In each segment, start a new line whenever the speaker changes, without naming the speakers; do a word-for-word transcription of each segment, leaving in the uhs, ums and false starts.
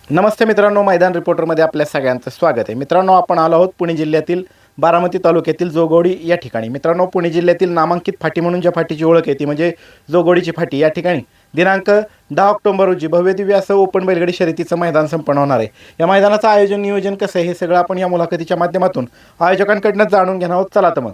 नमस्ते मित्रांनो, मैदान रिपोर्टरमध्ये आपल्या सगळ्यांचं स्वागत आहे. मित्रांनो, आपण आलो आहोत पुणे जिल्ह्यातील बारामती तालुक्यातील जोगोडी या ठिकाणी. मित्रांनो, पुणे जिल्ह्यातील नामांकित फाटी म्हणून ज्या फाटीची ओळख आहे ती म्हणजे जोगोडीची फाटी. या ठिकाणी दिनांक दहा ऑक्टोबर रोजी भव्यदिव्य असं ओपन बैलगाडी शर्यतीचं मैदान संपन्न होणार आहे. या मैदानाचं आयोजन नियोजन कसं आहे हे सगळं आपण या मुलाखतीच्या माध्यमातून आयोजकांकडनं जाणून घेणार आहोत. चला तर मग.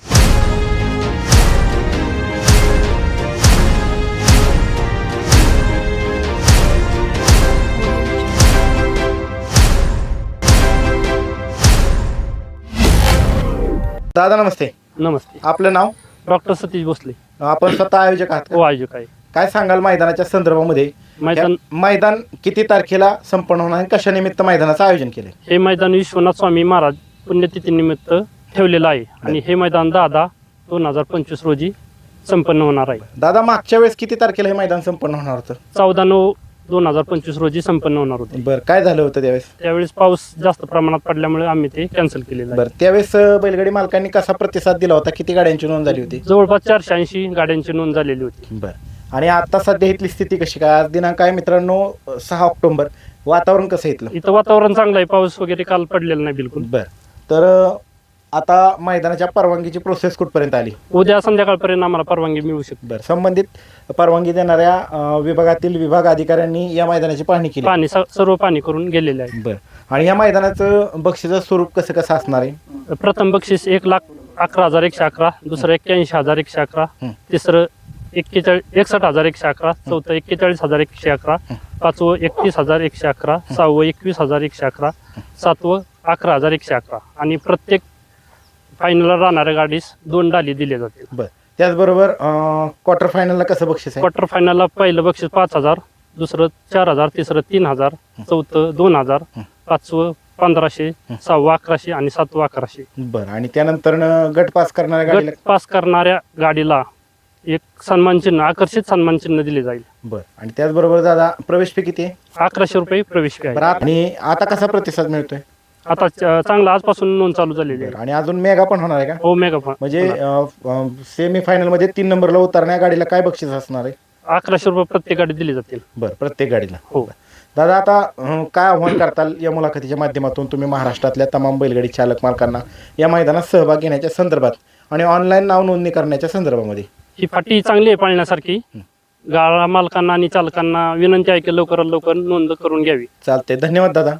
दादा नमस्ते.
नमस्ते.
आपलं नाव?
डॉक्टर सतीश भोसले.
आपण स्वतः आयोजक आहात?
हो, आयोजक आहे.
काय सांगाल मैदानाच्या संदर्भामध्ये?
मैदान
मैदान किती तारखेला संपन्न होणार आणि कशा निमित्त मैदानाचं आयोजन केले?
हे मैदान विश्वनाथ स्वामी महाराज पुण्यतिथीनिमित्त ठेवलेलं आहे आणि हे मैदान दहा दहा दोन हजार पंचवीस रोजी संपन्न होणार आहे.
दादा, मागच्या वेळेस किती तारखेला हे मैदान संपन्न होणार होतं?
चौदा नऊ दोन हजार पंचवीस रोजी संपन्न होणार होते.
बरं, काय झालं होतं त्यावेळेस?
त्यावेळेस पाऊस जास्त प्रमाणात पडल्यामुळे आम्ही ते कॅन्सल केलेलं आहे.
बरं, त्यावेळेस बैलगाडी मालकांनी कसा प्रतिसाद दिला होता? किती गाड्यांची नोंद झाली होती?
जवळपास चारशे ऐंशी गाड्यांची नोंद झालेली होती.
बरं, आणि आता सध्या इथली स्थिती कशी काय? आज दिनांक आहे मित्रांनो सहा ऑक्टोबर. वातावरण कसं आहे इथलं?
इथं वातावरण चांगलं आहे, पाऊस वगैरे काल पडलेला नाही बिलकुल.
बरं, तर आता मैदानाच्या परवानगीची प्रोसेस कुठपर्यंत आली?
उद्या संध्याकाळपर्यंत आम्हाला परवानगी मिळू शकते.
बरं, संबंधित परवानगी देणाऱ्या अं, विभागातील विभाग अधिकाऱ्यांनी या मैदानाची पाहणी केली?
पाणी स- सर्व पाणी करून गेलेले आहे.
बरं, आणि या मैदानाचं बक्षीचं स्वरूप कसं कसं असणार आहे?
प्रथम बक्षीस एक लाख अकरा हजार एकशे अकरा, दुसरं एक्क्याऐंशी हजार एकशे अकरा,
हं.
तिसरं एक्केचाळीस एकसष्ट हजार एकशे अकरा, चौथं एक्केचाळीस हजार एकशे अकरा, पाचवं एकतीस हजार एकशे अकरा, सहावं एकवीस हजार एकशे अकरा, सातवं अकरा हजार एकशे अकरा आणि प्रत्येक फायनलला राहणाऱ्या गाडीस दोन डाली दिले जातील.
बरं, त्याचबरोबर क्वार्टर फायनलला कसं बक्षीस आहे?
क्वार्टर फायनलला पहिलं बक्षीस पाच हजार, दुसरं चार हजार, तिसरं तीन हजार, चौथं दोन हजार, पाचवं पंधराशे, सहावं अकराशे आणि सातवं अकराशे.
बरं, आणि त्यानंतर गट पास करणाऱ्या गाडीला?
गट पास करणाऱ्या गाडीला एक सन्मान चिन्ह, आकर्षित सन्मान चिन्ह दिले जाईल.
बरं, आणि त्याचबरोबर दादा प्रवेश फी किती आहे?
अकराशे रुपये प्रवेश फी
बरं,
आहे.
आणि आता कसा प्रतिसाद मिळतोय?
आता च- चांगला आजपासून नोंद चालू झालेली आहे.
बरं, आणि अजून मेगा पण होणार आहे का?
हो, मेगा फा-
म्हणजे सेमी फायनल मध्ये तीन नंबरला उतरण्या गाडीला काय बक्षीस असणार आहे?
अकराशे रुपये प्रत्येक गाडी दिली जातील.
बरं, प्रत्येक गाडीला.
हो.
दादा, आता अं, काय आव्हान करताल या मुलाखतीच्या माध्यमातून तुम्ही महाराष्ट्रातल्या तमाम बैलगाडी चालक मालकांना या मैदानात सहभाग घेण्याच्या संदर्भात आणि ऑनलाईन नाव नोंदणी करण्याच्या संदर्भामध्ये?
ही फाटी चांगली आहे पाळण्यासारखी. गाळा मालकांना आणि चालकांना विनंती आहे की लवकरात लवकर नोंद करून घ्यावी.
चालते, धन्यवाद दादा.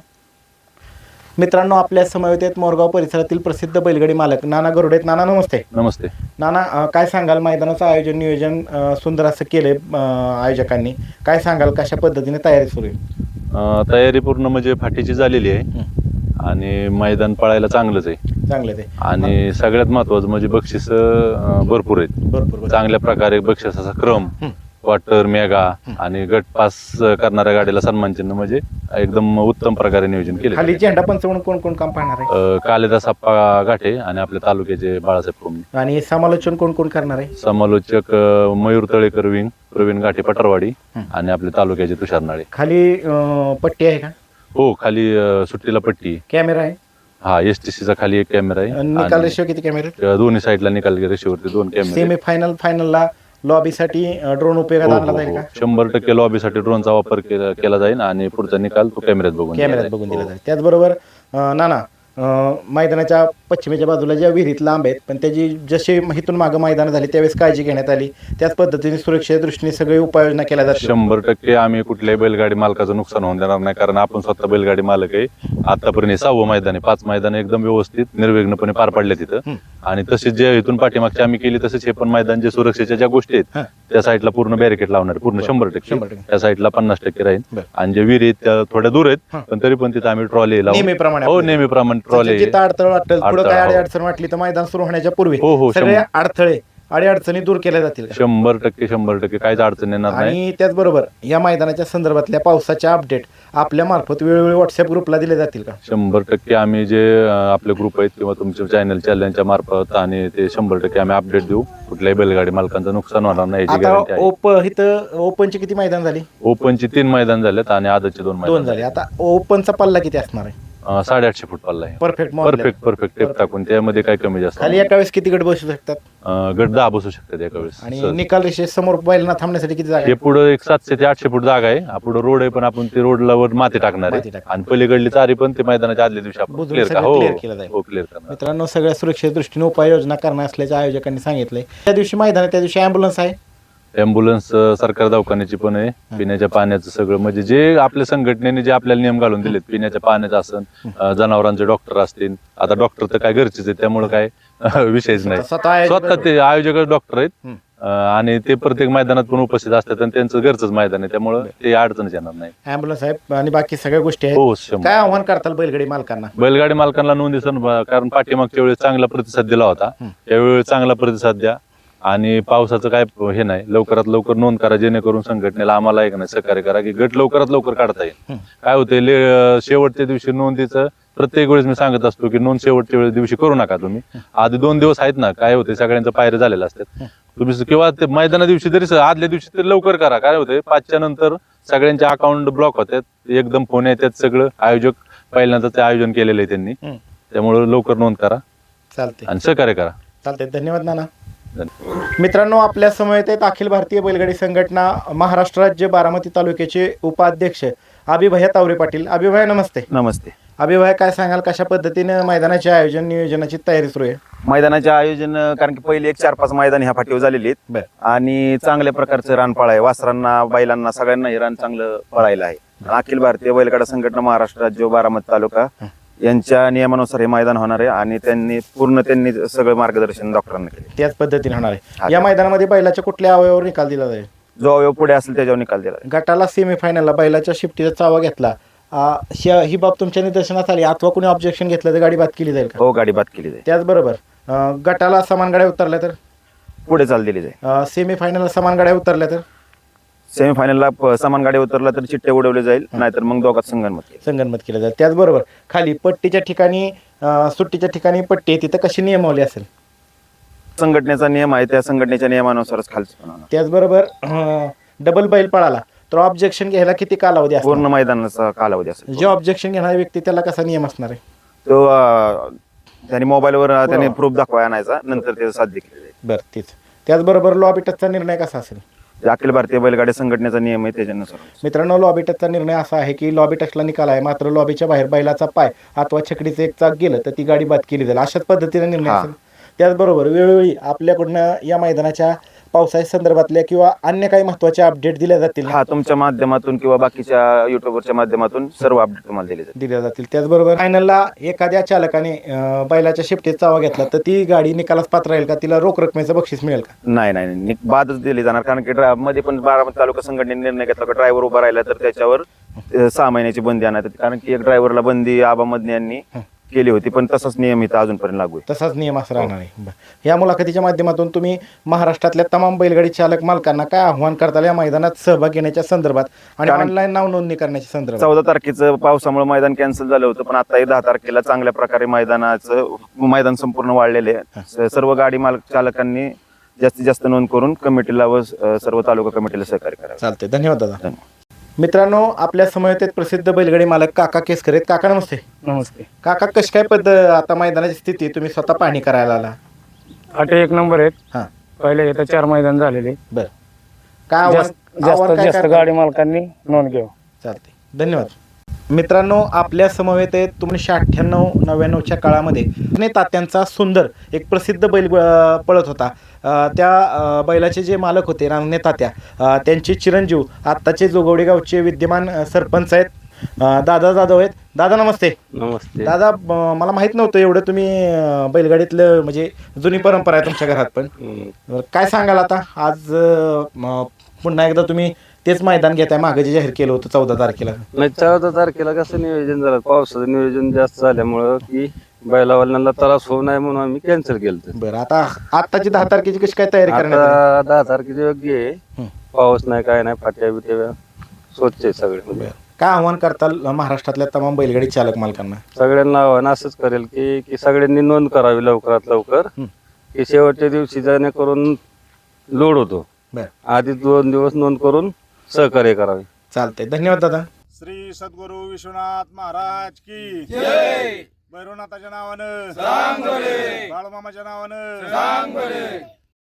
मित्रांनो, आपल्या समवेत आहेत मोरगाव परिसरातील प्रसिद्ध बैलगाडी मालक नाना गरुडे. नाना नमस्ते.
नमस्ते.
नाना, अं, काय सांगाल? मैदानाचं आयोजन नियोजन अं, सुंदर असं केलंय अं, आयोजकांनी. काय सांगाल, कशा पद्धतीने तयारी सुरू आहे?
अं, तयारी पूर्ण म्हणजे फाटीची झालेली आहे
हं.
आणि मैदान पळायला चांगलंच आहे
चांगलं ते
आणि सगळ्यात महत्वाचं म्हणजे बक्षीस भरपूर आहेत.
भरपूर भरपूर.
चांगल्या प्रकारे बक्षिसाचा क्रम,
हं.
क्वार्टर, मेगा आणि गट पास करणाऱ्या गाडीला सन्मान चिन्ह म्हणजे एकदम उत्तम प्रकारे नियोजन केले.
खाली झेंडा पंच म्हणून कोण कोण काम पाहणार आहे?
कालिदास आप्पा गाठे आणि आपल्या तालुक्याचे बाळासाहेब कोमणे.
आणि समालोचन कोण कोण करणार आहे?
समालोचक अं, मयूर तळेकर विंग, प्रवीण गाठे पटरवाडी
हं.
आणि आपले तालुक्याचे तुषार नाळे.
खाली अं, पट्टी आहे का?
हो, खाली अं, सुट्टीला पट्टी.
कॅमेरा आहे?
हा, एस टी सीचा खाली एक कॅमेरा आहे.
निकाल
आणि
रेषेवर किती कॅमेरे?
अ, दोन्ही साईडला निकाल रेषेवरती दोन कॅमेरे.
सेमी फायनल फायनलला लॉबीसाठी ड्रोन उपयोगात
हो,
आणला
हो,
जाईल
हो.
का?
शंभर टक्के लॉबीसाठी ड्रोनचा वापर केला केला जाईल आणि पुढचा निकाल तो कॅमेऱ्यात बघून दिला
कॅमेऱ्यात
जाईल.
बघून दिला
हो.
जाईल. त्याचबरोबर अं, नाना, अं, मैदानाच्या पश्चिमेच्या बाजूला ज्या विहिरीत लांब आहेत पण त्याची जशी इथून मागं मैदान झाली त्यावेळेस काळजी घेण्यात आली, त्याच पद्धतीने सुरक्षेच्या दृष्टीने सगळी उपाययोजना केल्या जातात.
शंभर टक्के आम्ही कुठल्याही बैलगाडी मालकाचं नुकसान होऊन देणार नाही, कारण आपण स्वतः बैलगाडी मालक आहे. आतापर्यंत सहावं मैदान आहे. पाच मैदान एकदम व्यवस्थित निर्विघ्नपणे पार पडले तिथं.
हं.
आणि तसेच जे इथून पाठीमागची आम्ही केली तसेच हे पण मैदान जे सुरक्षेच्या ज्या गोष्टी आहेत
हं.
त्या साईडला पूर्ण बॅरिकेड लावणार आहे. पूर्ण
बरं.
शंभर टक्के
शंभर टक्के.
त्या साईडला पन्नास टक्के राहील.
बरं.
आणि जे विहीर आहेत त्या थोड्या दूर आहेत
हं.
पण तरी पण तिथं आम्ही ट्रॉली लावू.
नेहमीप्रमाणे
हो,
आपलं.
नेहमीप्रमाणे ट्रॉली.
जिथं अडथळ वाटेल, पुढे
अडथळा,
काय
हो.
अडचण वाटली तर मैदान सुरू होण्याच्या पूर्वी
हो, हो,
सगळे
शंभर.
अडथळे अडीअडचणी दूर केल्या जातील का?
शंभर टक्के शंभर टक्के काहीच अडचण येणार नाही.
आणि त्याचबरोबर या मैदानाच्या संदर्भातल्या पावसाच्या अपडेट आपल्या मार्फत वेळोवेळी व्हॉट्सअप ग्रुपला दिले जातील का?
शंभर टक्के आम्ही जे अं, आपले ग्रुप आहेत किंवा तुमच्या चॅनल चॅनलच्या मार्फत आणि ते शंभर टक्के आम्ही अपडेट देऊ. कुठल्याही बैलगाडी मालकांचं नुकसान होणार नाही याची गॅरंटी
आता
आहे.
ओपन इथं ओपनची किती मैदान झाली?
ओपनची तीन मैदान झालेत आणि आदतचे दोन
दोन
मैदान
झाले. आता ओपनचा पल्ला किती असणार आहे?
अं, साडेआठशे फूट पल्ला आहे.
परफेक्ट
परफेक्ट परफेक्ट टेप टाकून त्यामध्ये काय कमी जास्त
खाली
नाही.
एका वेळेस किती गट बसू शकतात
अं, गट दहा बसू शकतात एका वेळेस
आणि
सहज.
निकाल रेषे समोर बैलांना थांबण्यासाठी किती जागा
हे
आहे?
पुढे एक सातशे ते आठशे फूट जागा आहे. पुढे रोड आहे पण आपण ते रोडला वर माती टाकणार
माती
आहे
टाकणार.
आणि पलीकडली चारी पण ते मैदानाच्या आदल्या दिवशी आपण
बुजवून
क्लिअर
सगळं
हो
clear केलं जाईल.
हो क्लिअर करणार.
मित्रांनो, सगळ्या सुरक्षेच्या दृष्टीने उपाययोजना करणार असल्याचे आयोजकांनी सांगितलंय. त्या दिवशी मैदान आहे, त्या दिवशी अँब्युलन्स आहे.
अँब्युलन्स सरकार दवाखान्याची पण आहे. पिण्याच्या पाण्याचं सगळं म्हणजे जे आपल्या संघटनेने जे आपल्याला नियम घालून दिलेत पिण्याच्या पाण्याचं असन अं, जनावरांचे डॉक्टर असतील. आता डॉक्टर तर काय गरजेच आहे त्यामुळे काय विषयच नाही.
स्वतः आयोजक-
स्वतः ते आयोजक डॉक्टर आहेत
हम्म.
अं, आणि ते प्रत्येक मैदानात पण उपस्थित असतात आणि त्यांचं घरचंच मैदान आहे त्यामुळे ते अडचणच येणार नाही.
अँब्युलन्स आहे आणि बाकी सगळ्या गोष्टी आहेत.
हो शंभर.
काय आव्हान करताल बैलगाडी मालकांना?
बैलगाडी मालकांना नोंदी सण कारण पाठीमागच्या वेळेस चांगला प्रतिसाद दिला होता. त्यावेळी चांगला प्रतिसाद द्या आणि पावसाचं काय हे नाही, लवकरात लवकर नोंद करा जेणेकरून संघटनेला आम्हाला एक नाही सहकार्य करा की गट लवकरात लवकर काढता येईल. काय होते शेवटच्या दिवशी नोंदीचं प्रत्येक वेळेस मी सांगत असतो की नोंद शेवटच्या वेळेस दिवशी करू नका तुम्ही. आधी दोन दिवस आहेत ना, काय होते सगळ्यांचं पायऱ्या झालेलं असतात तुम्ही किंवा ते मैदाना दिवशी तरी आदल्या दिवशी तरी लवकर करा. काय होते पाचच्या नंतर सगळ्यांचे अकाउंट ब्लॉक होतात, एकदम फोन येतात. सगळं आयोजक पहिल्यांदा ते आयोजन केलेलं आहे त्यांनी, त्यामुळे लवकर नोंद करा
चालते
आणि सहकार्य करा.
चालते धन्यवाद नाना. मित्रांनो, आपल्या समवेत आहेत अखिल भारतीय बैलगाडी संघटना महाराष्ट्र राज्य बारामती तालुक्याचे उपाध्यक्ष अभिभया तावरे पाटील. अभिभया नमस्ते.
नमस्ते.
अभिभया, काय सांगाल कशा पद्धतीने मैदानाचे आयोजन नियोजनाची तयारी सुरू आहे?
मैदानाचे आयोजन कारण की पहिले एक चार पाच मैदान ह्या फाटीवर झालेली आहेत
बर.
आणि चांगल्या प्रकारचं रानपाळ आहे. वासरांना बैलांना सगळ्यांना हे रान चांगलं पळायला आहे. अखिल भारतीय बैलगाडा संघटना महाराष्ट्र राज्य बारामती तालुका यांच्या नियमानुसार हे मैदान होणार आहे आणि त्यांनी पूर्ण त्यांनी सगळं मार्गदर्शन डॉक्टरांना केले.
त्याच पद्धतीने होणार आहे. या मैदानामध्ये बैलाच्या कुठल्या अवयवावर निकाल दिला जाईल?
जो अवयव पुढे असेल त्याच्यावर निकाल दिला.
गटाला सेमीफायनलला बैलाच्या शिफ्टीचा चावा घेतला, आ, श- ही बाब तुमच्या निदर्शनास आली अथवा कोणी ऑब्जेक्शन घेतलं तर गाडी बाद केली जाईल का?
हो, गाडी बाद केली जाईल.
त्याचबरोबर अ, गटाला समान गाड्या उतरल्या तर,
पुढे चाल दिली जाईल.
सेमीफायनलला समान गाड्या उतरल्या तर
सेमीफायनलला प- समान गाडी उतरला तर चिट्टे उडवले जाईल, नाहीतर मग दोघात संगनमत केलं.
संगनमत केलं जाईल. त्याचबरोबर खाली पट्टीच्या ठिकाणी अ, सुट्टीच्या ठिकाणी पट्टी आहे, तिथं कशी नियमावली असेल?
संघटनेचा नियम आहे, त्या संघटनेच्या नियमानुसारच खालचं होणार.
त्याचबरोबर अ, डबल बैल पळाला तर ऑब्जेक्शन घ्यायला किती कालावधी असतो?
पूर्ण मैदानाचा कालावधी असेल.
जे ऑब्जेक्शन घेणारा व्यक्ती त्याला कसा नियम असणार आहे?
तो अं, त्यांनी मोबाईलवर अं, त्यांनी प्रूफ दाखवा आणायचा, नंतर ते साध्य केले जाईल.
बरं, तीच. त्याचबरोबर लॉबी टचचा निर्णय कसा असेल?
जे अखिल भारतीय बैलगाडी संघटनेचा नियम आहे त्याच्यानुसार.
मित्रांनो, लॉबी टचचा निर्णय असा आहे की लॉबी टचला निकाल आहे, मात्र लॉबीच्या बाहेर बैलाचा पाय अथवा छकडीचं एक चाक गेलं तर ती गाडी बाद केली जाईल, अशाच पद्धतीने निर्णय
हा.
असेल. त्याचबरोबर वेळोवेळी आपल्याकडनं या मैदानाच्या पावसाळ्या संदर्भातल्या किंवा अन्य काही महत्त्वाचे अपडेट दिल्या जातील ना?
हा, तुमच्या माध्यमातून किंवा बाकीच्या युट्यूबरच्या माध्यमातून सर्व अपडेट तुम्हाला दिले जातील.
दिल्या जातील. त्याचबरोबर फायनलला एखाद्या चालकाने अं, बैलाच्या शिफ्टीत चावा घेतला तर ती गाडी निकालास पात्र राहील का? तिला रोख रकमेचं बक्षीस मिळेल का?
नाही नाही नाही, बादच दिली जाणार. कारण की ड्रा- मध्ये पण बारामती तालुका संघटनेने निर्णय घेतला की ड्रायव्हर उभा राहिला तर त्याच्यावर अं, सहा महिन्याची बंदी आणण्यात येते. कारण की एक ड्रायव्हरला बंदी आबा मदने यांनी केली होती, पण तसाच नियम इथं अजूनपर्यंत लागू आहे.
तसाच नियम असं राहणार आहे. बरं. या मुलाखतीच्या माध्यमातून तुम्ही महाराष्ट्रातल्या तमाम बैलगाडी चालक मालकांना काय आव्हान करताल या मैदानात सहभाग घेण्याच्या संदर्भात आणि
कारण-
ऑनलाईन नाव नोंदणी करण्याच्या संदर्भात?
चौदा तारखेचं पावसामुळे मैदान कॅन्सल झालं होतं, पण आता दहा तारखेला चांगल्या प्रकारे मैदानाचं मैदान संपूर्ण वाढलेले आहे. स- सर्व गाडी मालक चालकांनी जास्तीत जास्त नोंद करून कमिटीला व अं, सर्व तालुका कमिटीला सहकार्य करावे.
चालते. धन्यवाद दादा.
धन्यवाद.
मित्रांनो, आपल्या समवेत आहेत प्रसिद्ध बैलगाडी मालक काका केसकर आहेत. काका नमस्ते.
नमस्ते.
काका, कशी काय पद्धत आता मैदानाची स्थिती तुम्ही स्वतः पाहणी करायला आला?
आठ एक नंबर आहेत.
हां,
पहिले इथं चार मैदान झालेले.
बरं. काय आव्हान-
जास्त
आव्हान
जास्त
काय
जास्त
करताल?
गाडी मालकांनी नोंद घ्यावं.
चालते. धन्यवाद. मित्रांनो, आपल्या समवेत आहेत एकोणीसशे अठ्ठ्याण्णव नव्याण्णवच्या काळामध्ये ने तात्यांचा सुंदर एक प्रसिद्ध बैल अं, पळत होता. अं, त्या अं, बैलाचे जे मालक होते रामने तात्या, अं, त्यांचे चिरंजीव आत्ताचे जोगवडी गावचे विद्यमान अं, सरपंच आहेत अं, दादा जाधव आहेत. दादा नमस्ते.
नमस्ते.
दादा, अं, मला माहित नव्हतं एवढं तुम्ही अं, बैलगाडीतलं म्हणजे जुनी परंपरा आहे तुमच्या घरात पण. बरं, काय सांगाल आता आज अं, म, पुन्हा एकदा तुम्ही तेच मैदान घेताय, मागे जे जाहीर केलं होतं चौदा तारखेला?
नाही, चौदा तारखेला कसं नियोजन झालं, पावसाचं नियोजन जास्त झाल्यामुळं की बैलावाल्यांना त्रास होऊ नये म्हणून आम्ही कॅन्सल केलं.
बरं, आता आत्ताची दहा तारखेची कशी काय तयारी करण्यात आली?
आता दहा तारखेचे योग्य आहे.
हं.
पाऊस नाही, काय नाही, फाट्या बिट्या स्वच्छ आहे सगळे. म्हणजे
काय आव्हान करताल महाराष्ट्रातल्या तमाम बैलगाडी चालक मालकांना?
सगळ्यांना आव्हान असंच करेल की की सगळ्यांनी नोंद करावी लवकरात लवकर,
हं.
की शेवटच्या दिवशी जेणेकरून लोड होतो.
बरं,
आधी दोन दिवस नोंद करून सहकार्य करावे.
चालतंय. धन्यवाद दादा.
श्री सद्गुरू विश्वनाथ महाराज की भैरवनाथाच्या नावानं बाळूमामाच्या नावानं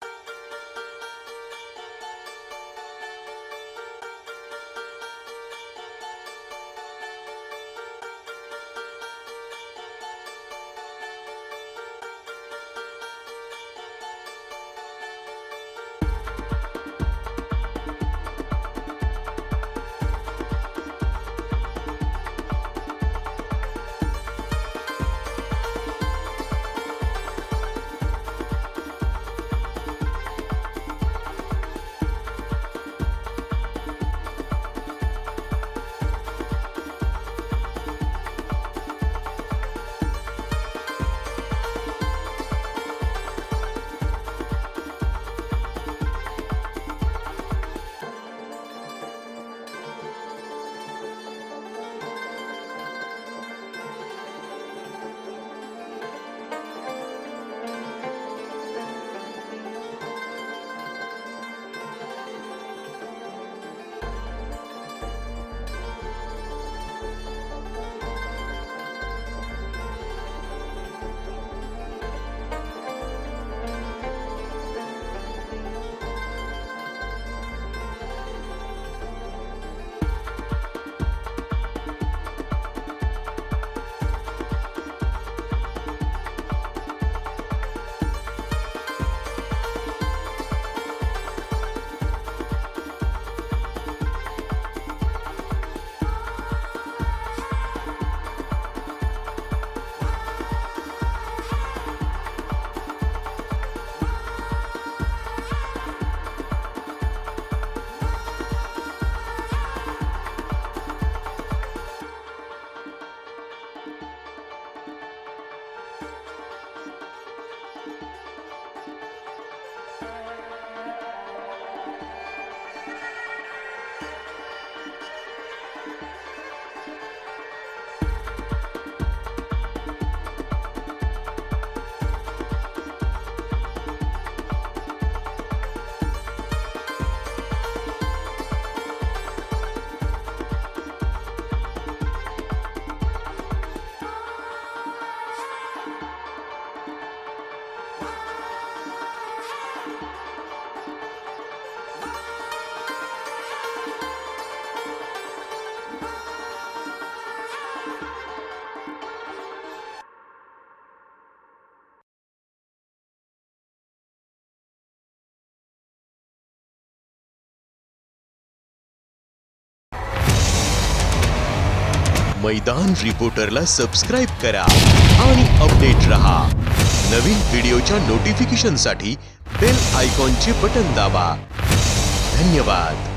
मैदान रिपोर्टरला सबस्क्राइब करा आणि अपडेट रहा। नवीन व्हिडिओच्या नोटिफिकेशनसाठी बेल आयकॉनचे बटन दाबा। धन्यवाद।